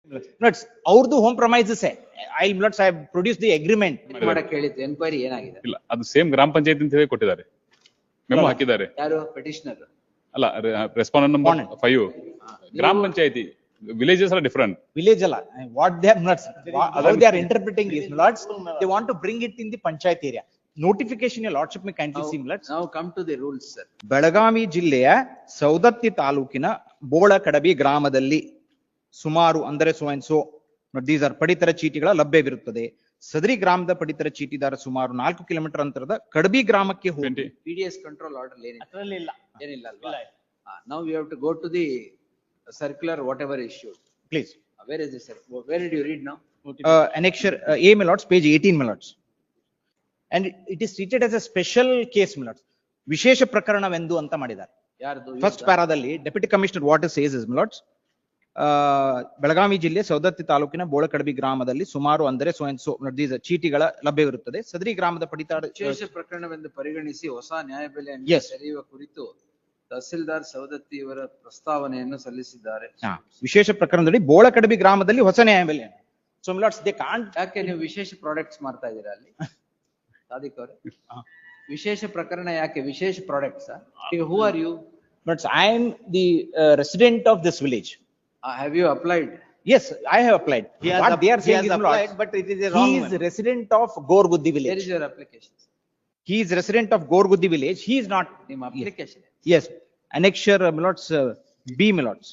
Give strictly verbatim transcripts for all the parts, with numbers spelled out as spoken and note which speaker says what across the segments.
Speaker 1: Nuts, ಅವ್ರದ್ದು home premises I nuts I have produced the agreement.
Speaker 2: ಮಾಡಕ್ಕೆ ಹೇಳಿದ್ದು enquiry ಏನಾಗಿದೆ?
Speaker 3: ಇಲ್ಲ, ಅದು ಸೇಮ್ ಗ್ರಾಮ ಪಂಚಾಯತ್ ಅಂತ ಹೇಳಿ ಕೊಟ್ಟಿದ್ದಾರೆ, ಮೆಮೊ ಹಾಕಿದ್ದಾರೆ.
Speaker 2: ಯಾರು ಪೆಟಿಷನರ್?
Speaker 3: ಅಲ್ಲ, ರೆಸ್ಪಾಂಡೆಂಟ್ ನಂಬರ್ ಫೈವ್. ಗ್ರಾಮ ಪಂಚಾಯತಿ villages are different.
Speaker 1: Village ಅಲ್ಲ, what they are nuts, how they are interpreting is nuts, they want to bring it in the panchayat area. Notification your lordship may kindly see nuts.
Speaker 2: Now come to the rules, sir.
Speaker 1: Belagavi ಜಿಲ್ಲೆಯ ಸೌದತ್ತಿ ತಾಲೂಕಿನ ಬೋಳಕಡಬಿ ಗ್ರಾಮದಲ್ಲಿ ಸುಮಾರು ಅಂದರೆ so and so these are ಪಡಿತರ ಚೀಟಿಗಳ ಲಭ್ಯವಿರುತ್ತದೆ. ಸದರಿ ಗ್ರಾಮದ ಪಡಿತರ ಚೀಟಿದಾರ ಸುಮಾರು ನಾಲ್ಕು ಕಿಲೋಮೀಟರ್ ಅಂತರದ ಕಡಬಿ ಗ್ರಾಮಕ್ಕೆ ಹೋಗಿ
Speaker 2: P D S control order ಏನಿಲ್ಲ?
Speaker 1: ಅದರಲ್ಲಿ ಇಲ್ಲ,
Speaker 2: ಏನಿಲ್ಲ ಅಲ್ವಾ? Now we have to go to the circular whatever issued.
Speaker 1: please.
Speaker 2: Uh, Where is this, sir? Where did you read now?
Speaker 1: Uh, annexure uh, A my lords, page eighteen my lords. And it, it is treated as a special case my lords. ವಿಶೇಷ ಪ್ರಕರಣವೆಂದು ಅಂತ ಮಾಡಿದ್ದಾರೆ.
Speaker 2: ಯಾರ್ದು?
Speaker 1: First ಪ್ಯಾರಾದಲ್ಲಿ deputy commissioner water says is my lords. Belagavi ಜಿಲ್ಲೆ ಸೌದತ್ತಿ ತಾಲೂಕಿನ ಬೋಳಕಡಬಿ ಗ್ರಾಮದಲ್ಲಿ ಸುಮಾರು ಅಂದರೆ ಸೋ ಅಂಡ್ ಸೋ ದೀಸ್ ಚೀಟಿಗಳ ಲಭ್ಯವಿರುತ್ತದೆ. ಸದರಿ ಗ್ರಾಮದ ಪಡಿತರ
Speaker 2: ವಿಶೇಷ ಪ್ರಕರಣವೆಂದು ಪರಿಗಣಿಸಿ ಹೊಸ ನ್ಯಾಯಬೆಲೆಯನ್ನು
Speaker 1: Yes.
Speaker 2: ತೆರೆಯುವ ಕುರಿತು ತಹಸೀಲ್ದಾರ್ ಸವದತ್ತಿ ಇವರ ಪ್ರಸ್ತಾವನೆಯನ್ನು ಸಲ್ಲಿಸಿದ್ದಾರೆ.
Speaker 1: ಹಾ, ವಿಶೇಷ ಪ್ರಕರಣದಲ್ಲಿ ಬೋಳಕಡಬಿ ಗ್ರಾಮದಲ್ಲಿ ಹೊಸ ನ್ಯಾಯಬೆಲೆ. So my lords, they can't.
Speaker 2: ಯಾಕೆ ನೀವು ವಿಶೇಷ ಪ್ರಾಡಕ್ಟ್ಸ್ ಮಾಡ್ತಾ ಇದ್ದೀರಾ ಅಲ್ಲಿ? ಸಾದಿಕ್ ಅವರೇ, ವಿಶೇಷ ಪ್ರಕರಣ ಯಾಕೆ? ವಿಶೇಷ ಪ್ರಾಡಕ್ಟ್ಸ್? ಈಗ who are you?
Speaker 1: But I am the uh, resident of this village.
Speaker 2: Have you applied?
Speaker 1: Yes, I have applied.
Speaker 4: He has
Speaker 1: What
Speaker 4: app-
Speaker 1: they are
Speaker 4: he
Speaker 1: saying
Speaker 4: has
Speaker 1: is my
Speaker 4: applied,
Speaker 1: lords,
Speaker 4: but it is a wrong
Speaker 1: he is
Speaker 4: one.
Speaker 1: resident of Gorguddi
Speaker 2: Where
Speaker 1: village.
Speaker 2: is your application?
Speaker 1: He is resident of Gorguddi village. He is not.
Speaker 2: ನಿಮ್ಮ application?
Speaker 1: Yes, annexure uh, my lords, uh, B my lords.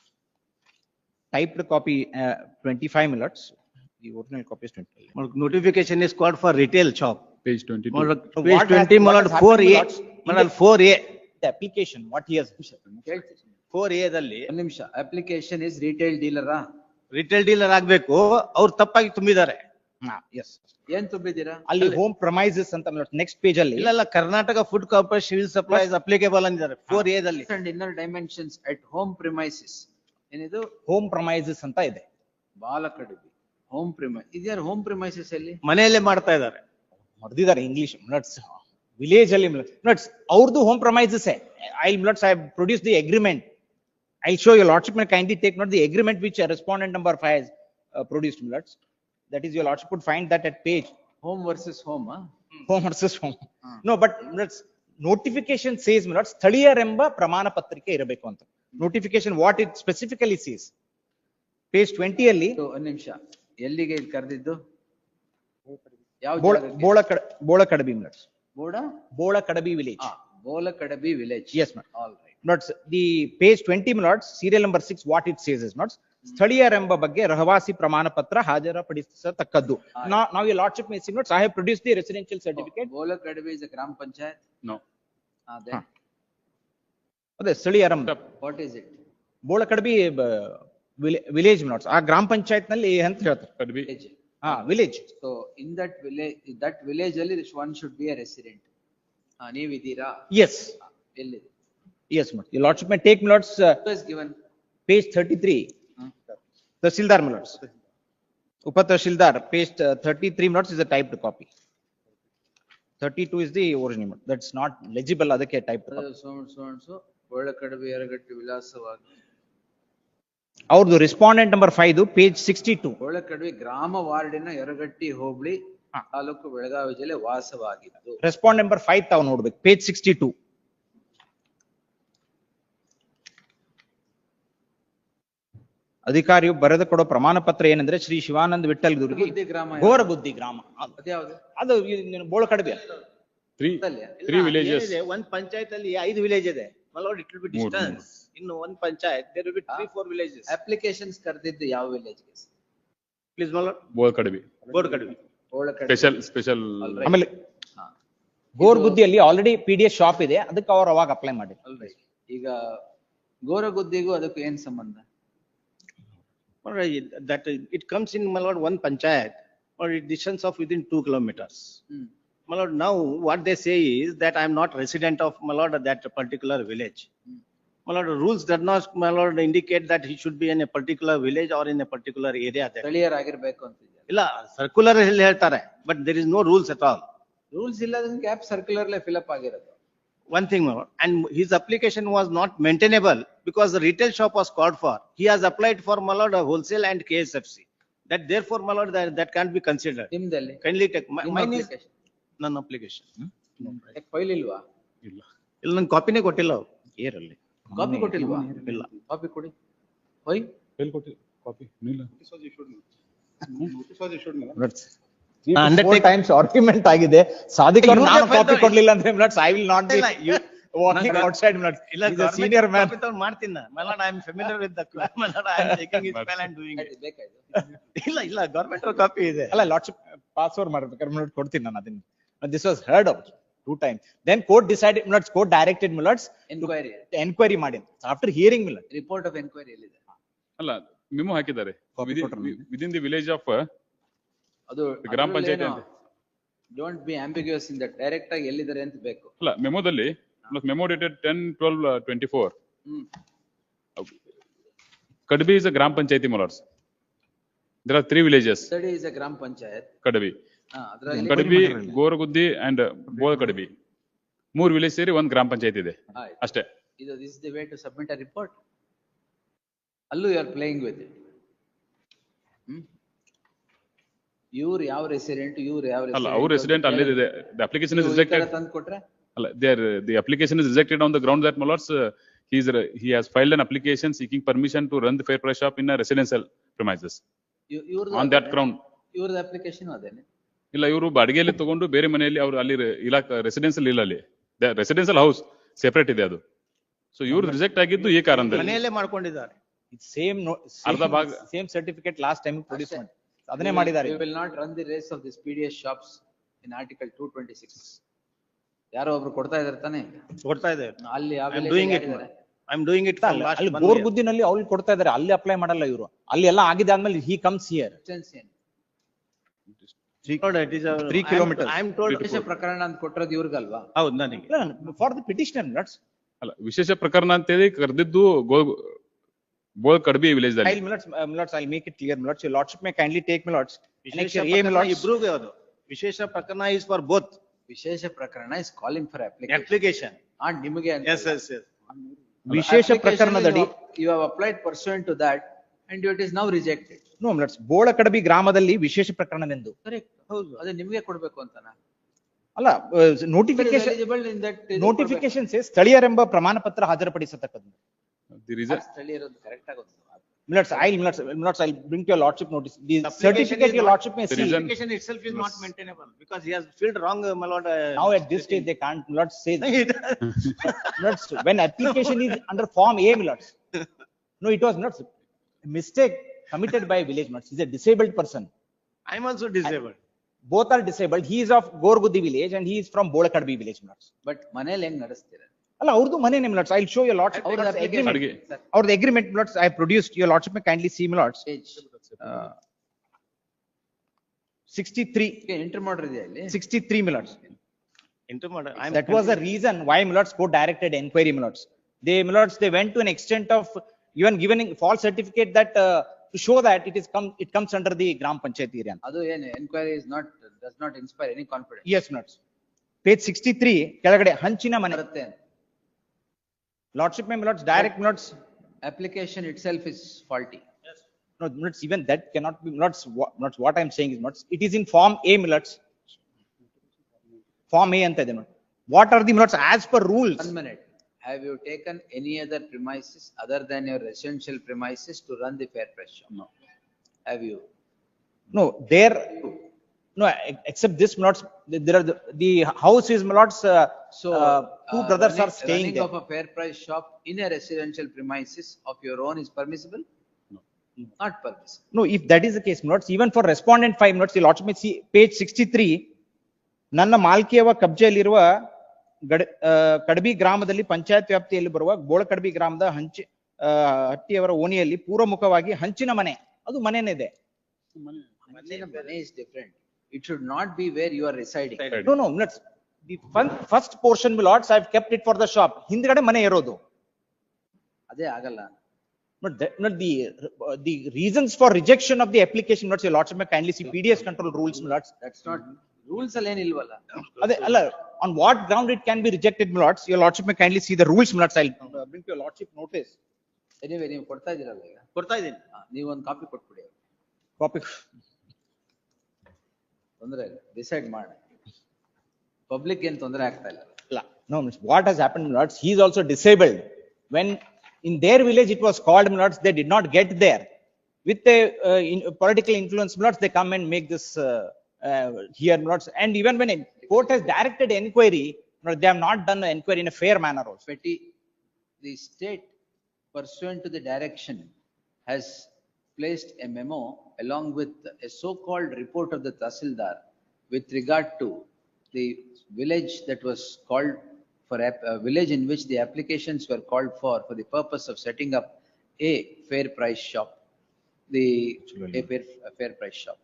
Speaker 1: Typed copy uh, twenty-five my lords. The original copy is twenty.
Speaker 4: Notification is called for retail shop.
Speaker 3: Page twenty-two.
Speaker 4: Malad,
Speaker 1: So
Speaker 4: Page
Speaker 1: what has-
Speaker 4: twenty,
Speaker 1: what
Speaker 4: Malad,
Speaker 1: has
Speaker 4: four
Speaker 1: happened,
Speaker 4: A,
Speaker 1: Malad, in
Speaker 4: Malad,
Speaker 1: the-
Speaker 4: four A,
Speaker 1: The application, what he has.
Speaker 2: ಕೇಳ್ತೀನಿ.
Speaker 4: four A ದಲ್ಲಿ
Speaker 2: ಒಂದ್ ನಿಮಿಷ. Application is retail ಡೀಲರಾ?
Speaker 4: Retail dealer ಆಗ್ಬೇಕು, ಅವ್ರು ತಪ್ಪಾಗಿ ತುಂಬಿದ್ದಾರೆ.
Speaker 1: Ah, yes.
Speaker 2: ಏನ್ ತುಂಬಿದ್ದೀರಾ?
Speaker 1: ಅಲ್ಲಿ ಹೋಮ್ ಪ್ರಮೈಸಸ್ ಅಂತ ನೆಕ್ಸ್ಟ್ ಪೇಜ್ ಅಲ್ಲಿ
Speaker 4: ಇಲ್ಲ ಇಲ್ಲ, Karnataka food corporation civil supplies applicable ಅಂದಿದ್ದಾರೆ ಫೋರ್ ಎ ದಲ್ಲಿ.
Speaker 2: And inner dimensions at home premises. ಏನಿದು?
Speaker 1: ಹೋಮ್ ಪ್ರಮೈಸಸ್ ಅಂತ ಇದೆ.
Speaker 2: Balakadabi home premise. ಇದ್ಯಾರು ಹೋಮ್ ಪ್ರಿಮೈಸಸ್ ಅಲ್ಲಿ?
Speaker 4: ಮನೆಯಲ್ಲೇ ಮಾಡ್ತಾ ಇದ್ದಾರೆ.
Speaker 1: ಹೊಡೆದಿದ್ದಾರೆ ಇಂಗ್ಲಿಷ್ ನಟ್ಸ್. ವಿಲೇಜ್ ಅಲ್ಲಿ ನಟ್ಸ್ ಅವ್ರದ್ದು home premises. I nuts I produce the agreement. I show your lordship may kindly take note the agreement which uh, respondent number five has uh, produced nuts. That is your lordship would find that at page
Speaker 2: home versus home.
Speaker 1: home versus home. No, but nuts notification says nuts ಸ್ಥಳೀಯರೆಂಬ ಪ್ರಮಾಣ ಪತ್ರಿಕೆ ಇರಬೇಕು ಅಂತ. Notification what it specifically says. Page twenty ಅಲ್ಲಿ
Speaker 2: ಒಂದ್ ನಿಮಿಷ. ಎಲ್ಲಿಗೆ ಇಲ್ಲಿ ಕರೆದಿದ್ದು? ಯಾವ
Speaker 1: ಬೋಳ
Speaker 2: ಜಾಗಕ್ಕೆ?
Speaker 1: ಬೋಳಕಡ ಬೋಳಕಡಬಿ nuts.
Speaker 2: ಬೋಡ?
Speaker 1: ಬೋಳಕಡಬಿ village.
Speaker 2: ಆ, Bolakadabi village.
Speaker 1: Yes, ma'am.
Speaker 2: All right.
Speaker 1: Notes, the page twenty minutes, serial number six, what it says is notes, ಸ್ಥಳೀಯರೆಂಬ ಬಗ್ಗೆ ರಹವಾಸಿ ಪ್ರಮಾಣ ಪತ್ರ ಹಾಜರುಪಡಿಸತಕ್ಕದ್ದು. Now, now your lordship may see notes, I have produced the residential certificate.
Speaker 2: ಬೋಲಕಡಬಿ is a ಗ್ರಾಮ panchayat.
Speaker 3: No.
Speaker 2: ಅದೇ.
Speaker 1: ಹಾ. ಅದೇ ಸ್ಥಳೀಯರೆಂಬ
Speaker 2: what is it?
Speaker 1: Bolakadabi village notes ಆ ಗ್ರಾಮ ಪಂಚಾಯತ್ ನಲ್ಲಿ ಅಂತ ಹೇಳ್ತಾರೆ.
Speaker 3: Could be.
Speaker 1: ಹಾ, village.
Speaker 2: So in that village, that village ಅಲ್ಲಿ one should be a resident. ನೀವಿದ್ದೀರಾ?
Speaker 1: ಎಸ್,
Speaker 2: ಎಲ್ಲಿದೆ?
Speaker 1: Yes note your lordship may take notes, uh,
Speaker 2: Who is given?
Speaker 1: page thirty-three, tahsildar notes. ಉಪ tahsildar page thirty-three notes is a typed copy. thirty-two is the original note. That's not legible, ಅದಕ್ಕೆ typed copy.
Speaker 2: So so and so ಬೋಳಕಡಬಿ Yaragatti ವಿಳಾಸವಾಗಿ.
Speaker 1: ಅವ್ರದ್ದು respondent number five page sixty-two.
Speaker 2: Bolakadabi ಗ್ರಾಮ ವಾರ್ಡಿನ ಯರಗಟ್ಟಿ ಹೋಬಳಿ
Speaker 1: ಹಾ.
Speaker 2: ತಾಲೂಕು ಬೆಳಗಾವಿ ಜಿಲ್ಲೆ ವಾಸವಾಗಿದ್ದು.
Speaker 1: Respond number five ತಾವು ನೋಡ್ಬೇಕು, ಪೇಜ್ ಸಿಕ್ಸ್ಟಿ-ಟೂ. ಅಧಿಕಾರಿಯು ಬರೆದು ಕೊಡೋ ಪ್ರಮಾಣ ಪತ್ರ ಏನಂದ್ರೆ ಶ್ರೀ ಶಿವಾನಂದ ವಿಠಲ್ ದುರ್ಗಿ
Speaker 2: ಗುದ್ದಿ ಗ್ರಾಮ ಯಾವ್ದು?
Speaker 1: ಗೋರಗುದ್ದಿ ಗ್ರಾಮ.
Speaker 2: ಅದ್ಯಾವ್ದು?
Speaker 1: ಅದು ಬೋಳಕಡಬಿ.
Speaker 3: Three,
Speaker 2: ಗೊತ್ತಲ್ಯಾ?
Speaker 3: three villages.
Speaker 4: ಏನಿದೆ, ಒಂದ್ ಪಂಚಾಯತ್ ಅಲ್ಲಿ ಐದು ವಿಲೇಜ್ ಇದೆ. ಮಲೋಡ್ ಇಟ್ ವಿಲ್ ಬಿ
Speaker 3: ಮೂರು,
Speaker 4: ಡಿಸ್ಟೆನ್ಸ್. ಇನ್ನು ಒಂದ್ panchayat there will be three four villages.
Speaker 2: Applications ಕರೆದಿದ್ದು ಯಾವ ವಿಲೇಜ್ಗೆ?
Speaker 4: Please Malod,
Speaker 3: Bolkadbi.
Speaker 4: ಬೋರ್ಡ್ ಕಡಿಮೆ.
Speaker 2: ಬೋಳಕಡಬಿ.
Speaker 3: Special, special.
Speaker 2: Alright.
Speaker 1: ಆಮೇಲೆ
Speaker 2: ಹಾ.
Speaker 1: ಗೋರ್ಗುದ್ದಿಯಲ್ಲಿ already P D S shop ಇದೆ, ಅದಕ್ಕೆ ಅವ್ರು ಅವಾಗ ಅಪ್ಲೈ ಮಾಡಿ.
Speaker 2: Alright. ಈಗ ಗೋರಗುದ್ದಿಗೂ ಅದಕ್ಕೂ ಏನ್ ಸಂಬಂಧ?
Speaker 4: Alright, that it comes in Malad one panchayat or it distance of within two kilometers.
Speaker 2: Hmm.
Speaker 4: Malad, now what they say is that I am not resident of Malad that particular village.
Speaker 2: Hmm.
Speaker 4: Malad, rules does not Malad indicate that he should be in a particular village or in a particular area there.
Speaker 2: ಸ್ಥಳೀಯರಾಗಿರ್ಬೇಕು ಅಂತಿದೆ.
Speaker 4: ಇಲ್ಲ, circular ಅಲ್ಲಿ ಹೇಳ್ತಾರೆ, but there is no rules at all.
Speaker 2: Rules ಇಲ್ಲದ gap ಸರ್ಕ್ಯುಲರ್ಲೆ fill up ಆಗಿರೋದು.
Speaker 4: one thing more, and his application was not maintainable because the retail shop was called for. He has applied for, my lord, a wholesale and K S F C. That therefore, my lord, that, that can't be considered.
Speaker 2: ನಿಮ್ದಲ್ಲಿ
Speaker 4: Kindly take, my-
Speaker 2: ನಿಮ್ಮ
Speaker 4: mine is
Speaker 2: application.
Speaker 4: non application.
Speaker 2: File ಇಲ್ವಾ?
Speaker 3: ಇಲ್ಲ.
Speaker 4: ಇಲ್ಲ ನನ್ ಕಾಪಿನೇ ಕೊಟ್ಟಿಲ್ಲ ಅವ್ರು.
Speaker 1: ಏರಲ್ಲಿ
Speaker 2: ಕಾಪಿ ಕೊಟ್ಟಿಲ್ವಾ?
Speaker 4: ಇಲ್ಲ.
Speaker 2: ಕಾಪಿ ಕೊಡಿ. ಹೋಯ್
Speaker 3: ಎಲ್ಲಿ ಕೊಟ್ಟಿ ಕಾಪಿ ಇಲ್ಲ
Speaker 1: Three to four
Speaker 4: Undertaker-
Speaker 1: times argument ಆಗಿದೆ. ಸಾದಿಕ್ ಅವ್ರು
Speaker 4: You
Speaker 1: ನಾನು
Speaker 4: have
Speaker 1: ಕಾಪಿ
Speaker 4: felt-
Speaker 1: ಕೊಡ್ಲಿಲ್ಲ ಅಂದ್ರೆ my lords I will not be
Speaker 4: ಇಲ್ಲ, you-
Speaker 1: walking
Speaker 4: ನಾನು-
Speaker 1: outside ಮಿಲಟ್ಸ್.
Speaker 4: ಇಲ್ಲ,
Speaker 1: He's a
Speaker 4: government
Speaker 1: senior man.
Speaker 4: copy ತಗೊಂಡ್ ಮಾಡ್ತೀನಿ ನಾನು. My lord, I am familiar with the, my lord, I am taking his file and doing it.
Speaker 2: ಬೇಕಾಯ್ತು.
Speaker 4: ಇಲ್ಲ, ಇಲ್ಲ, government copy ಇದೆ.
Speaker 1: ಅಲ್ಲ ಲಾರ್ಡ್ಶಿಪ್ ಪಾಸ್ ಓವರ್ ಮಾಡ್ಬೇಕಾದ್ರೆ ಮಿಲಟ್ ಕೊಡ್ತೀನಿ ನಾನು ಅದನ್ನ. This was heard out two time. Then court decided my lords, court directed my lords
Speaker 2: enquiry,
Speaker 1: enquiry ಮಾಡಿ. After hearing my lord
Speaker 2: report of enquiry ಎಲ್ಲಿದೆ?
Speaker 3: ಅಲ್ಲ ಮೆಮೊ ಹಾಕಿದ್ದಾರೆ
Speaker 1: Copy ಕೊಟ್ರು ನಮ್ಗೆ.
Speaker 3: ವಿದಿನ್ ದಿ ವಿಲೇಜ್ ಆಫ್
Speaker 2: ಅದು
Speaker 3: ಗ್ರಾಮ ಪಂಚಾಯತಿ ಅಂತ.
Speaker 2: Don't be ambiguous in that, direct ಆಗಿ ಎಲ್ಲಿದ್ದಾರೆ ಅಂತ ಬೇಕು.
Speaker 3: ಅಲ್ಲ ಮೆಮೊದಲ್ಲಿ memo dated ten twelve twenty four
Speaker 2: hmm.
Speaker 3: Kadbi is a gram panchayati my lords. There are three villages.
Speaker 2: Study is a gram panchayat.
Speaker 3: ಕಡಬಿ
Speaker 2: ಅದ್ರಲ್ಲಿ
Speaker 3: ಕಡಬಿ ಗೋರಗುದ್ದಿ ಅಂಡ್ ಬೋಲ್ ಕಡಬಿ ಮೂರ್ ವಿಲೇಜ್ ಸೇರಿ ಒಂದ್ ಗ್ರಾಮ ಪಂಚಾಯತ್ ಇದೆ
Speaker 2: ಆಯ್ತು.
Speaker 3: ಅಷ್ಟೇ.
Speaker 2: ಇದು this the way to submit a report. ಅಲ್ಲೂ you are playing with it. ಇವ್ರು ಯಾವ ರೆಸಿಡೆಂಟ್, ಇವ್ರು ಯಾವ
Speaker 3: ಅಲ್ಲ ಅವ್ರ ರೆಸಿಡೆಂಟ್ ಅಲ್ಲೇ ಇದೆ. The application is rejected.
Speaker 2: ತಂದು ಕೊಟ್ರೆ
Speaker 3: ಅಲ್ಲ there the application is rejected on the ground that ಮೊಲಾರ್ಸ್ he is he has filed an application seeking permission to run the fair price shop in a residential premises
Speaker 2: ಇವ್ರದ್ದು
Speaker 3: on that ground.
Speaker 2: ಇವ್ರದ್ದು application ಅದೇನೆ.
Speaker 3: ಇಲ್ಲ ಇವರು ಬಾಡಿಗೆಯಲ್ಲಿ ತಗೊಂಡು ಬೇರೆ ಮನೆಯಲ್ಲಿ ಅವರು ಅಲ್ಲಿ ಇಲಾಖೆ ರೆಸಿಡೆನ್ಸಿಯಲ್ ಇಲ್ಲ, ಅಲ್ಲಿ ರೆಸಿಡೆನ್ಸಿಯಲ್ ಹೌಸ್ ಸೆಪರೇಟ್ ಇದೆ ಅದು. ಸೊ ಇವ್ರು ರಿಜೆಕ್ಟ್ ಆಗಿದ್ದು ಈ ಕಾರಣದಲ್ಲಿ.
Speaker 4: ಮನೆಯಲ್ಲೇ ಮಾಡ್ಕೊಂಡಿದ್ದಾರೆ.
Speaker 1: ಸೇಮ್
Speaker 3: ಅರ್ಧ ಭಾಗ
Speaker 1: same certificate last time produce ಮಾಡಿ ಅದನ್ನೇ ಮಾಡಿದ್ದಾರೆ.
Speaker 2: We will not run the race of this P D S shops in article two twenty-six. ಯಾರೋ ಒಬ್ರು ಕೊಡ್ತಾ ಇದಾರೆ ತಾನೆ,
Speaker 4: ಕೊಡ್ತಾ ಇದೆ.
Speaker 2: ಅಲ್ಲಿ
Speaker 4: I am doing it. I am doing it from last
Speaker 1: ಅಲ್ಲಿ
Speaker 4: one
Speaker 1: ಗೋರ್
Speaker 4: year.
Speaker 1: ಗುದ್ದಿನಲ್ಲಿ ಅವ್ರು ಕೊಡ್ತಾ ಇದಾರೆ, ಅಲ್ಲಿ ಅಪ್ಲೈ ಮಾಡಲ್ಲ ಇವರು. ಅಲ್ಲಿ ಎಲ್ಲ ಆಗಿದ್ದಾದ್ಮೇಲೆ he comes here.
Speaker 4: Lord, it is a-
Speaker 1: Three
Speaker 4: I am-
Speaker 1: kilometers.
Speaker 4: I am told.
Speaker 2: ವಿಶೇಷ ಪ್ರಕರಣ ಅಂತ ಕೊಟ್ಟಿರೋದು ಇವ್ರಿಗಲ್ವಾ?
Speaker 4: ಹೌದು ನನಗೆ.
Speaker 1: For the petitioner my lords.
Speaker 3: ಅಲ್ಲ ವಿಶೇಷ ಪ್ರಕರಣ ಅಂತೇಳಿ ಕರೆದಿದ್ದು ಗೋ ಬೋಲ್ ಕಡ್ಬಿ ವಿಲೇಜ್
Speaker 1: I'll
Speaker 3: ದಲ್ಲಿ.
Speaker 1: Millards, uh, Millards, I'll make it clear, Millards, your lordship may kindly take Millards.
Speaker 4: ವಿಶೇಷ
Speaker 1: Annexure A,
Speaker 4: ಪ್ರಕರಣ
Speaker 1: Millards.
Speaker 4: ಇಬ್ರಿಗೂ ಅದು. ವಿಶೇಷ ಪ್ರಕರಣ is for both.
Speaker 2: ವಿಶೇಷ ಪ್ರಕರಣ is calling for application.
Speaker 4: Application.
Speaker 2: ಆ ನಿಮಗೆ ಅಂತ
Speaker 4: Yes, yes, yes.
Speaker 1: ವಿಶೇಷ
Speaker 2: Application
Speaker 1: ಪ್ರಕರಣದಡಿ
Speaker 2: is- You have applied pursuant to that and it is now rejected.
Speaker 1: No Millards, Bolakadabi ಗ್ರಾಮದಲ್ಲಿ ವಿಶೇಷ ಪ್ರಕರಣವೆಂದು.
Speaker 2: Correct. ಹೌದು. ಅದೇ ನಿಮಗೆ ಕೊಡ್ಬೇಕು ಅಂತನಾ?
Speaker 1: ಅಲ್ಲ ನೋಟಿಫಿಕೇಶನ್
Speaker 2: Eligible in that. ಇದು
Speaker 1: ನೋಟಿಫಿಕೇಶನ್ ಸ್ಥಳೀಯರೆಂಬ ಪ್ರಮಾಣ ಪತ್ರ ಹಾಜರುಪಡಿಸತಕ್ಕದ್ದು.
Speaker 3: ದಿ ರೀಸನ್
Speaker 2: ಕೊಡ್ಬೇಕು. ಸ್ಥಳೀಯರದ್ದು correct ಆಗುತ್ತೆ.
Speaker 1: Millards, I'll Millards, Millards, I'll bring to your lordship notice. The
Speaker 4: Application
Speaker 1: certificate
Speaker 4: is
Speaker 1: your
Speaker 4: not-
Speaker 1: lordship may
Speaker 3: The
Speaker 1: see.
Speaker 3: reason-
Speaker 4: Application itself is not maintainable because he has filled wrong, uh, my lord. uh,
Speaker 1: Now at this stage, they can't, Millards say that. Millards, when application is under form A, Millards. No, it was not mistake committed by a village Millards. He's a disabled person.
Speaker 4: I am also disabled.
Speaker 1: Both are disabled. He is of Gorguddi village and he is from Bolakadbi village Millards.
Speaker 2: But ಮನೇಲಿ ಹೆಂಗ್ ನಡೆಸ್ತೀರ?
Speaker 1: ಅಲ್ಲ ಅವ್ರದ್ದು ಮನೆನೇ Millards. I'll show your lordship.
Speaker 2: ಅವ್ರದ್ದು
Speaker 1: Millards,
Speaker 2: application.
Speaker 1: agreement.
Speaker 3: ಅಡಿಗೆ
Speaker 1: Our agreement Millards, I have produced. Your lordship may kindly see Millards.
Speaker 2: Page.
Speaker 1: Uh, sixty-three,
Speaker 2: enter ಮಾಡಿದ್ಯಾ ಇಲ್ಲಿ?
Speaker 1: sixty-three Millards.
Speaker 4: Into my- I am.
Speaker 1: That was the reason why Millards court directed enquiry Millards. They Millards, they went to an extent of even giving false certificate that uh, to show that it is come, it comes under the Gram Panchayat area.
Speaker 2: ಅದು ಏನು enquiry is not does not inspire any confidence.
Speaker 1: Yes, Millards. Page sixty-three, ಕೆಳಗಡೆ ಹಂಚಿನ ಮನೆ.
Speaker 2: ಬರುತ್ತೆ.
Speaker 1: Lordship may Millards, direct Millards.
Speaker 2: Application itself is faulty.
Speaker 1: No, Millards, even that cannot be Millards. What, Millards, what I am saying is Millards, it is in form A Millards. Form A ಅಂತ ಇದೆ Millards. What are the Millards as per rules?
Speaker 2: One minute. Have you taken any other premises other than your residential premises to run the fair price shop?
Speaker 3: No.
Speaker 2: Have you?
Speaker 1: No, there, no, ex- except this Millards, there are the, the house is Millards, uh,
Speaker 2: So.
Speaker 1: uh, two
Speaker 2: uh,
Speaker 1: brothers are
Speaker 2: running-
Speaker 1: staying
Speaker 2: Running
Speaker 1: there.
Speaker 2: of a fair price shop in a residential premises of your own is permissible?
Speaker 3: No.
Speaker 2: Not permissible.
Speaker 1: No, if that is the case, Millards, even for respondent five Millards, the lordship may see page sixty-three, ನನ್ನ ಮಾಲ್ಕಿಯವ ಕಬ್ಜೆಯಲ್ಲಿರುವ ಗಡ ಆ, ಕಡಬಿ ಗ್ರಾಮದಲ್ಲಿ ಪಂಚಾಯತ್ ವ್ಯಾಪ್ತಿಯಲ್ಲಿ ಬರುವ ಬೋಳಕಡಬಿ ಗ್ರಾಮದ ಹಂಚಿ ಆ, ಹಟ್ಟಿಯವರ ಓಣಿಯಲ್ಲಿ ಪೂರ್ವಮುಖವಾಗಿ ಹಂಚಿನ ಮನೆ, ಅದು ಮನೆನೇ ಇದೆ.
Speaker 2: Manila Mane is different. It should not be where you are residing.
Speaker 1: No, no, Millards, the fun- first portion Millards, I have kept it for the shop. ಹಿಂದ್ಗಡೆ ಮನೆ ಇರೋದು.
Speaker 2: ಅದೇ ಆಗಲ್ಲ.
Speaker 1: But that, not the, uh, the reasons for rejection of the application, Millards, your lordship may kindly see P D S control rules, Millards.
Speaker 2: That's not, rules ಅಲ್ಲಿ ಏನಿಲ್ವಲ್ಲ.
Speaker 1: ಅದೇ ಅಲ್ಲ on what ground it can be rejected, my lords? Your lordship may kindly see the rules, my lords. I'll uh, bring to your lordship notice.
Speaker 2: Anyway ನೀವು ಕೊಡ್ತಾ ಇದ್ದೀರಲ್ಲ ಈಗ
Speaker 4: ಕೊಡ್ತಾ ಇದ್ದೀನಿ.
Speaker 2: ಹಾ, ನೀವೊಂದು ಕಾಪಿ ಕೊಟ್ಬಿಡಿ ಅವ್ರಿಗೆ.
Speaker 1: Copy.
Speaker 2: ತೊಂದ್ರೆ ಇಲ್ಲ, ಡಿಸೈಡ್ ಮಾಡೋಣ. ಪಬ್ಲಿಕ್ ಏನ್ ತೊಂದರೆ ಆಗ್ತಾ ಇಲ್ಲ.
Speaker 1: No, what has happened, my lords? He is also disabled. When in their village it was called, my lords, they did not get there. With the uh, in, political influence, my lords, they come and make this uh, uh, here, my lords. And even when a court has directed enquiry, my lords, they have not done the enquiry in a fair manner also.
Speaker 2: Petty, the state pursuant to the direction has placed a memo along with a so-called report of the Tahsildar with regard to the village that was called for a uh, village in which the applications were called for for the purpose of setting up a fair price shop, the a fair, a fair price shop.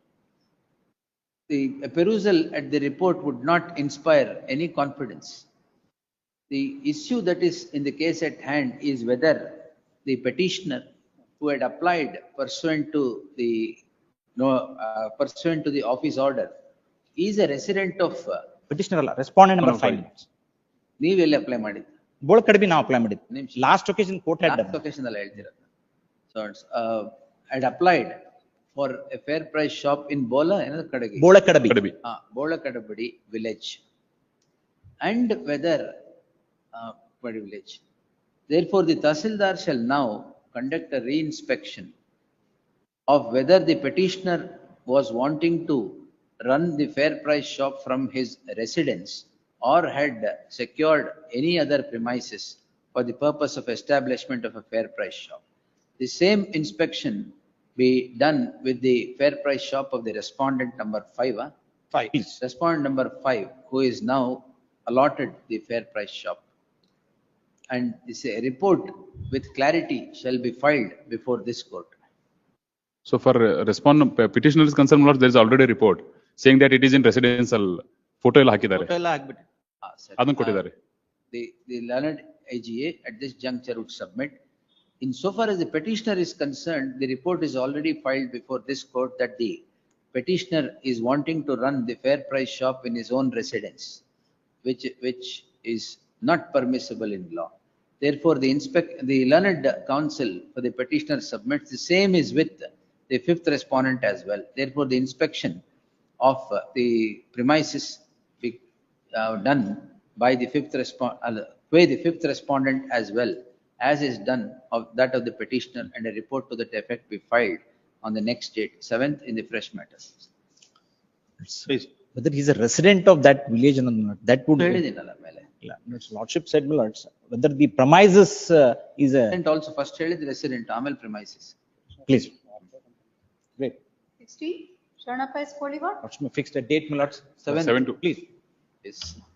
Speaker 2: The a perusal at the report would not inspire any confidence. The issue that is in the case at hand is whether the petitioner who had applied pursuant to the no uh, pursuant to the office order is a resident of uh,
Speaker 1: Petitioner ಅಲ್ಲ, respondent number
Speaker 3: Number
Speaker 1: five.
Speaker 3: five.
Speaker 2: ನೀವೆಲ್ಲಿ apply ಮಾಡಿದ್ದು?
Speaker 1: ಬೋಳಕಡ್ಬಿ ನಾವು apply ಮಾಡಿದ್ವಿ.
Speaker 2: ನಿಮಿಷ.
Speaker 1: Last occasion court had
Speaker 2: last
Speaker 1: done.
Speaker 2: Location ಅಲ್ಲಿ ಹೇಳ್ತಿರೋದು. So it's uh, had applied for a fair price shop in Bola ಏನದು ಕಡೆಗೆ
Speaker 1: ಬೋಳಕಡ್ಬಿ.
Speaker 3: ಕಡಬಿ.
Speaker 2: uh, Bolakadabadi village. And whether uh, Kadi village. Therefore, the Tahsildar shall now conduct a re-inspection of whether the petitioner was wanting to run the fair price shop from his residence or had secured any other premises for the purpose of establishment of a fair price shop. The same inspection be done with the fair price shop of the respondent number five. Huh?
Speaker 1: Five, please.
Speaker 2: Respondent number five, who is now allotted the fair price shop. And this a report with clarity shall be filed before this court.
Speaker 3: So for uh, respond petitioner is concerned, my lords, there is already a report saying that it is in residential. Photo ಎಲ್ಲ ಹಾಕಿದ್ದಾರೆ.
Speaker 4: Photo ಎಲ್ಲ ಹಾಕ್ಬಿಟ್ಟು.
Speaker 2: Ah, sir.
Speaker 3: ಅದನ್ನು ಕೊಟ್ಟಿದ್ದಾರೆ.
Speaker 2: The, the learned I G A at this juncture would submit. Insofar as the petitioner is concerned, the report is already filed before this court that the petitioner is wanting to run the fair price shop in his own residence, which, which is not permissible in law. Therefore, the inspect, the learned counsel for the petitioner submits the same is with the fifth respondent as well. Therefore, the inspection of uh, the premises be uh, done by the fifth respond, uh, by the fifth respondent as well as is done of that of the petitioner, and a report to that effect be filed on the next date, seventh in the fresh matters.
Speaker 4: Please.
Speaker 1: Whether he's a resident of that village or not, that would.
Speaker 2: ಹೇಳಿದ್ದೀನಲ್ಲ ಮೇಲೆ.
Speaker 1: Yeah, His lordship said, my lords, whether the premises uh, is a,
Speaker 2: And also first ಹೇಳಿದ resident, ಆಮೇಲೆ premises.
Speaker 1: please. Great.
Speaker 5: Sixty, Sharanappa is holy word.
Speaker 1: Lordship may fix the date, my lords.
Speaker 2: Seven.
Speaker 3: Seven two.
Speaker 1: Please.
Speaker 2: Yes.